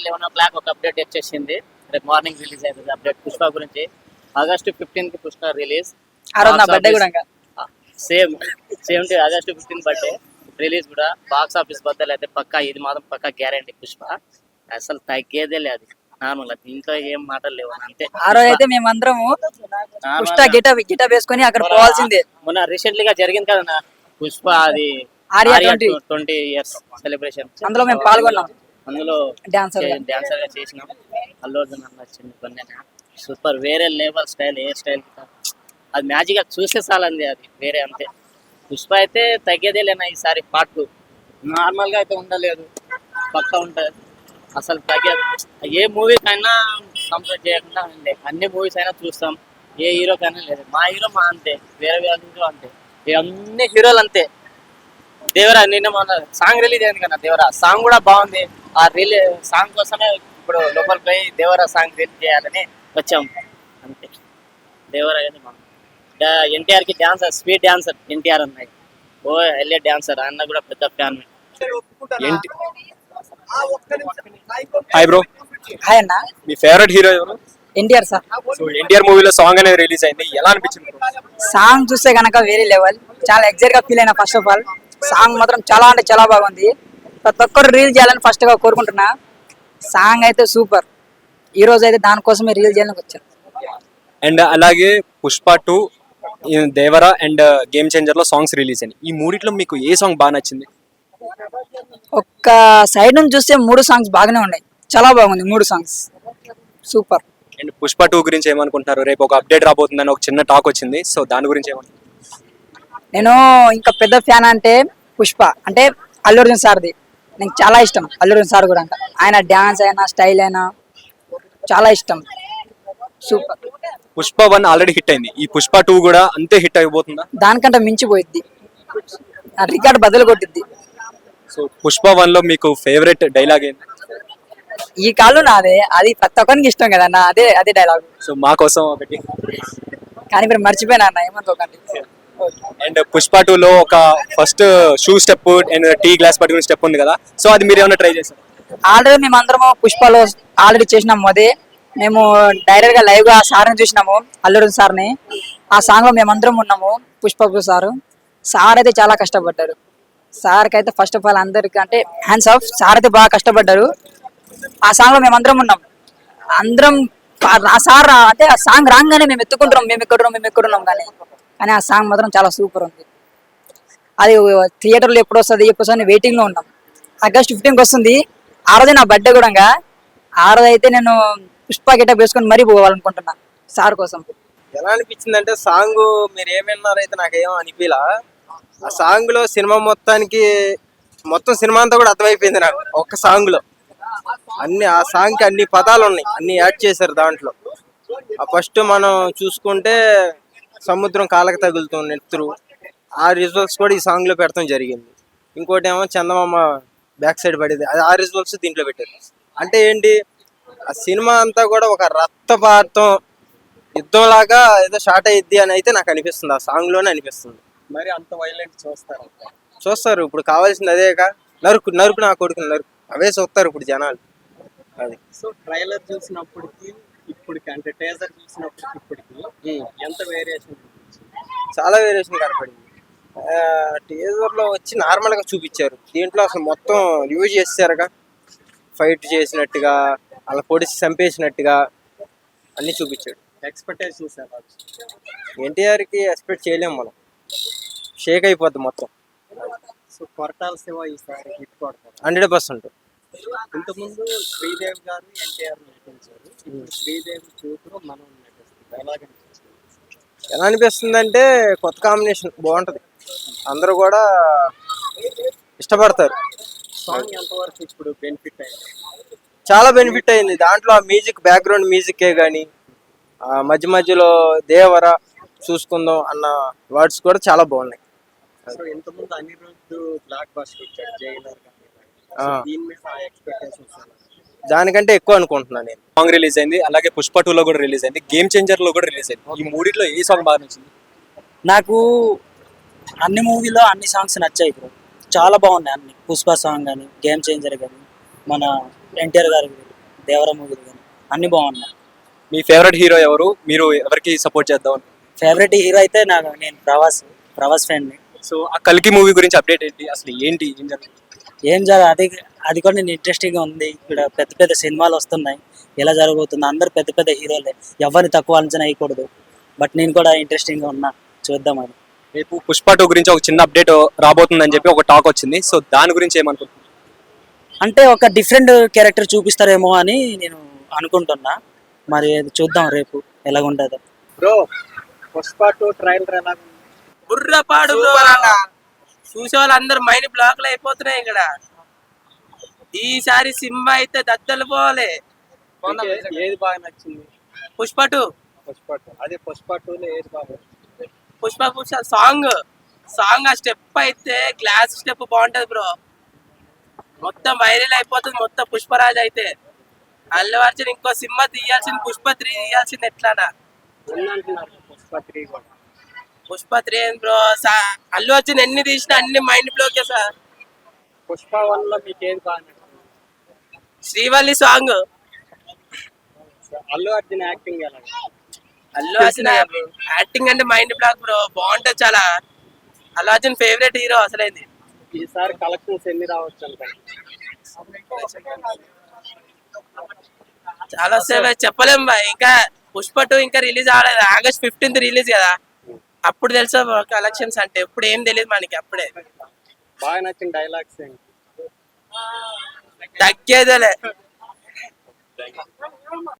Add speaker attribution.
Speaker 1: 11 ఒక అప్డేట్ వచ్చేసింది. రేపు మార్నింగ్ రిలీజ్ అవుతుంది అప్డేట్ పుష్ప గురించి. August 15 Pushpa release.
Speaker 2: ఆ రోజు నా బర్త్డే కూడా
Speaker 1: సేమ్ ఆగస్టు 15 బర్త్డే రిలీజ్ కూడా. బాక్స్ ఆఫీస్ బద్దలు అయితే పక్కా, ఇది మాత్రం పక్కా గ్యారంటీ. పుష్ప అసలు తగ్గేదే లేదు. నార్మల్ దీంట్లో ఏం మాటలు లేవు అంతే.
Speaker 2: ఆ రోజు అయితే మేమందరము పుష్ప గిటప్ వేసుకొని అక్కడ పోవాల్సిందే.
Speaker 1: మొన్న రీసెంట్లీ గా జరిగింది కదా పుష్ప అది 20 years సెలబ్రేషన్.
Speaker 2: అందులో మేము పాల్గొన్నాం.
Speaker 1: అందులో డాన్సర్ గా చేసినాం. అల్లు అర్జున్ అన్న వచ్చింది. సూపర్, వేరే లెవెల్ స్టైల్. ఏ స్టైల్ అది మ్యాజిక్ గా చూసే చాలండి, అది వేరే అంతే. పుష్ప అయితే తగ్గేదే లేనా ఈసారి పార్ట్ 2. నార్మల్ గా అయితే ఉండలేదు, పక్కా ఉంటుంది. అసలు తగ్గేది ఏ మూవీకైనా కంపేర్ చేయకుండా ఉండే అన్ని మూవీస్ అయినా చూస్తాం. ఏ హీరోకైనా లేదు. మా హీరో మా అంతే, వేరే హీరో అంతే, అన్ని హీరోలు అంతే. దేవరా నిన్న మన సాంగ్ రిలీజ్ అయింది కదా, దేవరా సాంగ్ కూడా బాగుంది. ఆ సాంగ్ కోసమే ఇప్పుడు లోపలికి పోయి దేవరా సాంగ్ రిలీజ్ చేయాలని వచ్చాం అంతే. దేవరా ఎన్టీఆర్ కి డాన్సర్, స్వీట్ డాన్సర్ ఎన్టీఆర్ అన్నాయి. ఓ ఎల్ఏ డాన్సర్ అన్న కూడా పెద్ద ఫ్యాన్.
Speaker 3: Hi bro.
Speaker 2: హాయ్ అన్న.
Speaker 3: మీ ఫేవరెట్ హీరో ఎవరు?
Speaker 2: ఎన్టీఆర్ సార్.
Speaker 3: సో ఎన్టీఆర్ మూవీలో సాంగ్ అనేది రిలీజ్ అయింది, ఎలా అనిపించింది?
Speaker 2: సాంగ్ చూస్తే కనుక వేరే లెవెల్. చాలా ఎగ్జైట్ గా ఫీల్ అయినా. ఫస్ట్ ఆఫ్ ఆల్ సాంగ్ మాత్రం చాలా అంటే చాలా బాగుంది. ప్రతి ఒక్కరు రీల్ చేయాలని ఫస్ట్ గా కోరుకుంటున్నా. సాంగ్ అయితే సూపర్. ఈ రోజు అయితే దానికోసమే రీల్ చేయాలని వచ్చాను.
Speaker 3: అండ్ అలాగే Pushpa 2, Devara and game changer లో సాంగ్స్ రిలీజ్ అయ్యాయి. ఈ మూడిట్లో మీకు ఏ సాంగ్ బాగా నచ్చింది?
Speaker 2: ఒక్క సైడ్ నుంచి చూస్తే 3 సాంగ్స్ బాగానే ఉన్నాయి. చాలా బాగుంది 3 సాంగ్స్, సూపర్.
Speaker 3: అండ్ పుష్ప 2 గురించి ఏమనుకుంటున్నారు? రేపు ఒక అప్డేట్ రాబోతుందని ఒక చిన్న టాక్ వచ్చింది, సో దాని గురించి ఏమంటారు?
Speaker 2: నేను ఇంకా పెద్ద ఫ్యాన్ అంటే పుష్ప అంటే అల్లు అర్జున్ సార్ది. నాకు చాలా ఇష్టం అల్లు అర్జున్ సార్ కూడా. ఆయన డ్యాన్స్ అయినా స్టైల్ అయినా చాలా ఇష్టం, సూపర్.
Speaker 3: పుష్ప 1 ఆల్రెడీ హిట్ అయింది, ఈ పుష్ప 2 కూడా అంతే హిట్ అయిపోతుందా?
Speaker 2: దానికంటే మించిపోయిద్ది, రికార్డ్ బదులు కొట్టిద్ది.
Speaker 3: సో పుష్ప 1 లో మీకు ఫేవరెట్ డైలాగ్ ఏంటి?
Speaker 2: ఈ కాళ్ళు నాదే, అది ప్రతి ఒక్కరికి ఇష్టం కదా అన్న, అదే డైలాగ్.
Speaker 3: సో మా కోసం ఒకటి.
Speaker 2: కానీ మీరు మర్చిపోయినా అన్న, ఏమనుకోకండి.
Speaker 3: అండ్ పుష్ప 2 లో ఒక first shoe step and tea glass పట్టుకునే స్టెప్ ఉంది కదా, సో అది మీరు ఏమైనా ట్రై చేశారు?
Speaker 2: ఆల్రెడీ మేము అందరము పుష్పలో ఆల్రెడీ చేసినాము. అదే మేము డైరెక్ట్ గా లైవ్ గా సార్ని చూసినాము, అల్లు అర్జున్ సార్ని. ఆ సాంగ్ లో మేమందరం ఉన్నాము. పుష్పకు సార్ అయితే చాలా కష్టపడ్డారు. సార్కి అయితే ఫస్ట్ ఆఫ్ ఆల్ అందరికి అంటే హ్యాండ్స్ ఆఫ్. సార్ అయితే బాగా కష్టపడ్డారు. ఆ సాంగ్ లో మేమందరం ఉన్నాం. అందరం ఆ సార్ అంటే ఆ సాంగ్ రాగానే మేము ఎత్తుకుంటున్నాం, మేము ఎక్కడున్నాం కానీ ఆ సాంగ్ మాత్రం చాలా సూపర్ ఉంది. అది థియేటర్లో ఎప్పుడు వస్తుంది వెయిటింగ్ లో ఉన్నాం. ఆగస్ట్ 15కి వస్తుంది. ఆ రోజే నా బర్త్డే కూడా. ఆ రోజు అయితే నేను పుష్ప గెటప్ వేసుకొని మరీ పోవాలనుకుంటున్నా సార్ కోసం.
Speaker 4: ఎలా అనిపించింది అంటే సాంగ్ మీరు ఏమన్నారైతే నాకేమో అనిపించలా. ఆ సాంగ్ లో సినిమా మొత్తం సినిమా అంతా కూడా అర్థమైపోయింది నాకు ఒక్క సాంగ్ లో. ఆ సాంగ్ కి అన్ని పదాలు ఉన్నాయి, అన్ని యాడ్ చేశారు దాంట్లో. ఆ ఫస్ట్ మనం చూసుకుంటే సముద్రం కాళ్ళకి తగులుతుంది నెత్తురు, ఆ రిజల్ట్స్ కూడా ఈ సాంగ్ లో పెట్టడం జరిగింది. ఇంకోటి ఏమో చందమామ బ్యాక్ సైడ్ పడేది, ఆ రిజల్ట్స్ దీంట్లో పెట్టారు. అంటే ఏంటి, ఆ సినిమా అంతా కూడా ఒక రక్తపాతం యుద్ధం లాగా ఏదో షార్ట్ అయ్యిద్ది అని అయితే నాకు అనిపిస్తుంది. ఆ సాంగ్ లోనే అనిపిస్తుంది.
Speaker 3: మరి అంత వైలెంట్
Speaker 4: చూస్తారు ఇప్పుడు, కావాల్సింది అదేగా. నరుకు నా కొడుకుని నరుకు, అవే చూస్తారు ఇప్పుడు జనాలు. అది
Speaker 5: సో ట్రైలర్ చూసినప్పటికి ఇప్పటికి, అంటే టేజర్ చూసినప్పటికి ఇప్పటికి ఎంత వేరియేషన్?
Speaker 4: చాలా వేరియేషన్ కనపడింది. టీజర్ లో వచ్చి నార్మల్ గా చూపించారు, దీంట్లో అసలు మొత్తం యూజ్ చేశారుగా. ఫైట్ చేసినట్టుగా, అలా పొడిచి చంపేసినట్టుగా అన్ని చూపించాడు.
Speaker 5: ఎక్స్పెక్టేషన్స్
Speaker 4: ఎన్టీఆర్ కి ఎక్స్పెక్ట్ చేయలేము మనం, షేక్ అయిపోద్ది మొత్తం.
Speaker 5: సో కొరటాల శివ ఈసారి హిట్ కొడతారు
Speaker 4: 100%.
Speaker 5: ఇంతకుముందు శ్రీదేవి గారిని ఎన్టీఆర్ నటించారు, ఇప్పుడు శ్రీదేవి కూతురు మనం నటిస్తారు.
Speaker 4: ఎలా అనిపిస్తుంది అంటే కొత్త కాంబినేషన్ బాగుంటది, అందరూ కూడా ఇష్టపడతారు.
Speaker 5: సాంగ్ ఎంతవరకు ఇప్పుడు బెనిఫిట్ అయింది?
Speaker 4: చాలా బెనిఫిట్ అయింది. దాంట్లో ఆ మ్యూజిక్, బ్యాక్గ్రౌండ్ మ్యూజికే కానీ, మధ్య మధ్యలో దేవర చూసుకుందాం అన్న వర్డ్స్ కూడా చాలా బాగున్నాయి.
Speaker 5: సో ఇంతకుముందు అనిరుద్ధ్ బ్లాక్ బస్టర్ ఇచ్చాడు జైలర్ గాని, దీని మీద ఎక్స్పెక్టేషన్స్
Speaker 4: దానికంటే ఎక్కువ అనుకుంటున్నాను నేను.
Speaker 3: సాంగ్ రిలీజ్ అయింది, అలాగే పుష్ప 2 లో కూడా రిలీజ్ అయింది, గేమ్ చేంజర్ లో కూడా రిలీజ్ అయింది. ఈ మూడిట్లో ఏ సాంగ్ బాగా నచ్చింది?
Speaker 6: నాకు అన్ని మూవీలో అన్ని సాంగ్స్ నచ్చాయి బ్రో, చాలా బాగున్నాయి అన్ని. పుష్ప సాంగ్ కానీ, గేమ్ చేంజర్ కానీ, మన ఎన్టీఆర్ గారి దేవర మూవీలు కానీ అన్ని బాగున్నాయి.
Speaker 3: మీ ఫేవరెట్ హీరో ఎవరు? మీరు ఎవరికి సపోర్ట్ చేద్దాం?
Speaker 6: ఫేవరెట్ హీరో అయితే నేను ప్రభాస్ ఫ్యాన్ని.
Speaker 3: సో ఆ కల్కి మూవీ గురించి అప్డేట్ ఏంటి? అసలు ఏంటి ఏం జరుగుతుంది?
Speaker 6: ఏం అది కూడా నేను ఇంట్రెస్టింగ్గా ఉంది. ఇక్కడ పెద్ద పెద్ద సినిమాలు వస్తున్నాయి, ఎలా జరగబోతుంది, అందరు పెద్ద పెద్ద హీరోలే, ఎవరిని తక్కువ అంచనా వేయకూడదు. బట్ నేను కూడా ఇంట్రెస్టింగ్గా ఉన్నా, చూద్దాం అది.
Speaker 3: రేపు పుష్ప 2 గురించి ఒక చిన్న అప్డేట్ రాబోతుందని చెప్పి ఒక టాక్ వచ్చింది. సో దాని గురించి ఏమనుకుంటున్నారు?
Speaker 6: అంటే ఒక డిఫరెంట్ క్యారెక్టర్ చూపిస్తారేమో అని నేను అనుకుంటున్నా. మరి అది చూద్దాం రేపు ఎలాగుంటుందో.
Speaker 5: బ్రో పుష్ప 2 ట్రైలర్ ఎలా ఉంది?
Speaker 7: బుర్రపాడు చూసే వాళ్ళందరూ మైండ్ బ్లాక్ లో అయిపోతున్నాయి ఇక్కడ. ఈసారి సినిమా అయితే దద్దలు పోవాలి.
Speaker 5: ఏది బాగా నచ్చింది?
Speaker 7: పుష్ప 2.
Speaker 5: పుష్ప 2 అదే పుష్ప 2 లో ఏది బాగా?
Speaker 7: పుష్ప సాంగ్ ఆ స్టెప్ అయితే గ్లాస్ స్టెప్ బాగుంటది బ్రో. మొత్తం వైరల్ అయిపోతుంది మొత్తం పుష్పరాజ్ అయితే. అల్లు అర్జున్ ఇంకో సినిమా తీయాల్సింది, పుష్ప 3 తీయాల్సింది. ఎట్లానా
Speaker 5: ఉందంటున్నారు పుష్ప 3 కూడా.
Speaker 7: పుష్ప 3 ఏం బ్రో, అల్లు అర్జున్ ఎన్ని తీసినా అన్ని మైండ్ బ్లోకే సార్.
Speaker 5: పుష్ప 1 లో మీకు ఏది బాగా నచ్చింది?
Speaker 7: శ్రీవల్లి సాంగ్.
Speaker 5: అల్లు అర్జున్ యాక్టింగ్ ఎలా ఉంది?
Speaker 7: అల్లు అర్జున్ యాక్టింగ్ అంటే మైండ్ బ్లాక్ బ్రో, బాగుంటది చాలా. అల్లు అర్జున్ ఫేవరెట్ హీరో అసలైంది.
Speaker 5: ఈసారి కలెక్షన్స్ ఎన్ని రావచ్చు అనుకోండి?
Speaker 7: చాలా సేపు చెప్పలేం బాయ్. ఇంకా పుష్ప 2 ఇంకా రిలీజ్ అవ్వలేదు. ఆగస్ట్ 15th రిలీజ్ కదా, అప్పుడు తెలుసా కలెక్షన్స్ అంటే. ఇప్పుడు ఏం తెలియదు మనకి అప్పుడే.
Speaker 5: బాగా నచ్చిన డైలాగ్స్ ఏంటి?
Speaker 7: తగ్గేదేలే.